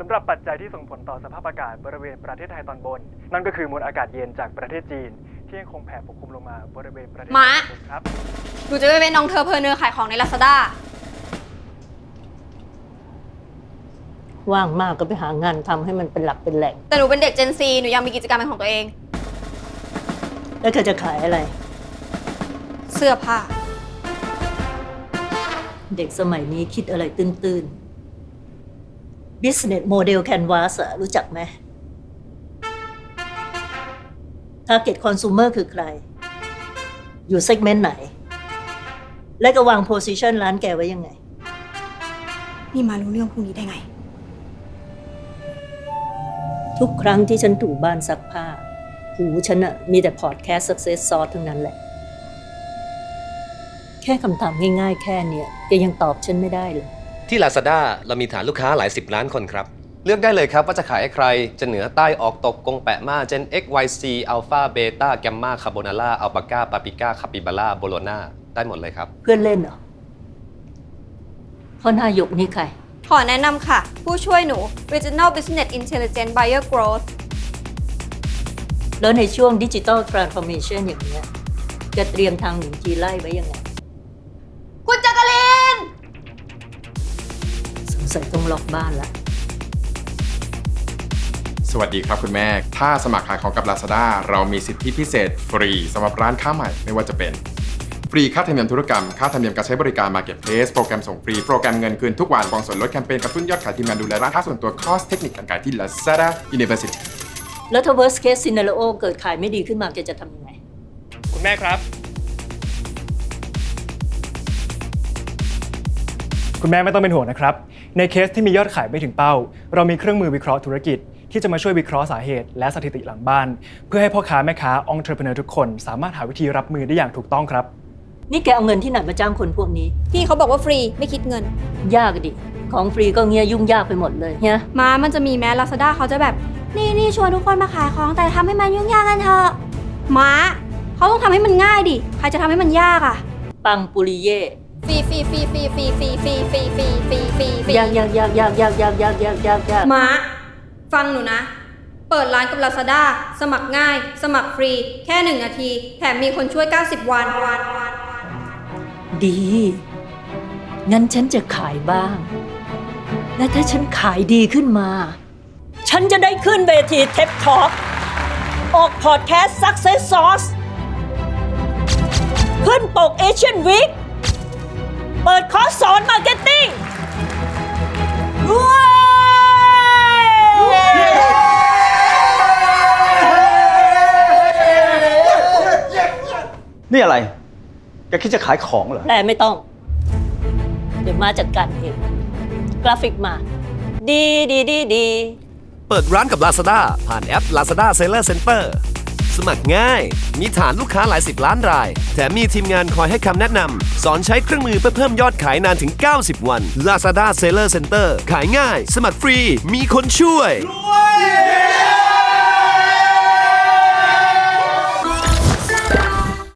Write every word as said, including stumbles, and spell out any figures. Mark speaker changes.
Speaker 1: ำหรับปัจจัยที่ส่งผลต่อสภาพอากาศบริเวณประเทศไทยตอนบนนั่นก็คือมวลอากาศเย็นจากประเทศจีนที่ยังคงแผ่ปกคลุมลงมาบริเวณประเทศ
Speaker 2: มา
Speaker 1: ครับ
Speaker 2: หนูจะไปเป็นน้องเธอเพอเนอร์ขายของใน Lazada
Speaker 3: ว่างมากก็ไปหางานทำให้มันเป็นหลักเป็นแหล่ง
Speaker 2: แต่หนูเป็นเด็ก Gen Z หนูยังมีกิจกรรมเป็นของตัวเอง
Speaker 3: แล้วเธอจะขายอะไร
Speaker 2: เสื้อผ้า
Speaker 3: เด็กสมัยนี้คิดอะไรตื้นๆ Business Model Canvas อะรู้จักไหม Target Consumer คือใคร อยู่ segment ไหน และก็วาง position ร้านแกไว้ยังไง
Speaker 2: นี่มารู้เรื่องพวกนี้ได้ไง
Speaker 3: ทุกครั้งที่ฉันถูบ้านซักผ้า หูฉันอะมีแต่ podcast success sauce ทั้งนั้นแหละ แค่คำถามง่ายๆ แค่เนี้ยแกยังตอบฉันไม่ได้เลย
Speaker 4: ที่ Lazada เรามีฐานลูกค้าหลายสิบล้านคนครับ
Speaker 5: เลือกได้เลยครับว่าจะขายให้ใคร จะเหนือใต้ออกตกกงแปะมาเจน X Y C Alpha Beta Gamma Carbonara Alpaca Paprika Capybara Bologna ได้หมดเลยครับ
Speaker 3: เพื่อนเล่นเหรอพ่อนายกนี่ใคร
Speaker 2: ขอแนะนำค่ะ ผู้ช่วยหนู Regional Business Intelligence Buyer Growth
Speaker 3: แล้วในช่วงดิจิ t a ล Transformation อย่างเนี้ยจะเตรียมทางหนุนจีไล่ไว้ยังไง
Speaker 2: คุณจักริน
Speaker 3: สงสัยต้องล็อกบ้านละ
Speaker 6: สวัสดีครับคุณแม่ ถ้าสมัครขายของกับ Lazada เรามีสิทธิพิเศษฟรีสำหรับร้านค้าใหม่ไม่ว่าจะเป็นฟรีค่าธรรมเนียมธุรกรรมค่าธรรมเนียมการใช้บริการ Marketplace โปรแกรมส่งฟรีโปรแกรมเงินคืนทุกวันกองส่วนลดแคมเปญกระตุ้นยอดขายทีมงานดูแลร้านค้าส่วนตัวคอร์สเทคนิคการขายที่ Lazada University
Speaker 3: แล้วถ้า worst case scenario เกิดขายไม่ดีขึ้นมาแกจะทำยังไง
Speaker 1: คุณแม่ครับ คุณแม่ไม่ต้องเป็นห่วงนะครับในเคสที่มียอดขายไม่ถึงเป้าเรามีเครื่องมือวิเคราะห์ธุรกิจที่จะมาช่วยวิเคราะห์สาเหตุและสถิติหลังบ้านเพื่อให้พ่อค้าแม่ค้า entrepreneur ทุกคนสามารถหาวิธีรับมือได้อย่างถูกต้องครับ
Speaker 3: นี่แกเอาเงินที่ไหนมาจ้างคนพวกนี้
Speaker 2: พี่เขาบอกว่าฟรีไม่คิดเงิน
Speaker 3: ยากดิของฟรีก็เงี้ยยุ่งยากไปหมดเลยเนี่ย
Speaker 2: มามันจะมีแม้ Lazada เขาจะแบบ นี่นี่ชวนทุกคนมาขายของแต่ทำให้มันยุ่งยากกันเถอะม้าเขาต้องทำให้มันง่ายดิใครจะทำให้มันยากอ่ะ
Speaker 3: ปังปุริเย่
Speaker 2: ฟรีฟรีฟรีฟรีฟรีฟรีฟรีฟรีฟรีฟรีฟรีฟรี
Speaker 3: ยากยากยากยากยากยากยากยากยากยาก
Speaker 2: ม้าฟังหนูนะ เปิดร้านกับ Lazada สมัครง่าย สมัครฟรี แค่หนึ่งนาที แถมมีคนช่วยเก้าสิบวันวัน
Speaker 3: ดี งั้นฉันจะขายบ้าง และถ้าฉันขายดีขึ้นมา ฉันจะได้ขึ้นเวที TED Talk ออกพอดแคสต์ Success Sauce ขึ้นปก Asian Week เปิดคอร์สสอนมาร์เก็ตติ้งว้าว
Speaker 7: นี่อะไร แกคิดจะขายของเหรอ
Speaker 3: แปลไม่ต้อง เดี๋ยวมาจัดการเอง กราฟิกมา ดีดีดีดี
Speaker 4: เปิดร้านกับ Lazada ผ่านแอป Lazada Seller Center สมัครง่าย มีฐานลูกค้าหลายสิบล้านราย แถมมีทีมงานคอยให้คำแนะนำ สอนใช้เครื่องมือเพื่อเพิ่มยอดขายนานถึง เก้าสิบ วัน Lazada Seller Center ขายง่าย สมัครฟรี มีคนช่วย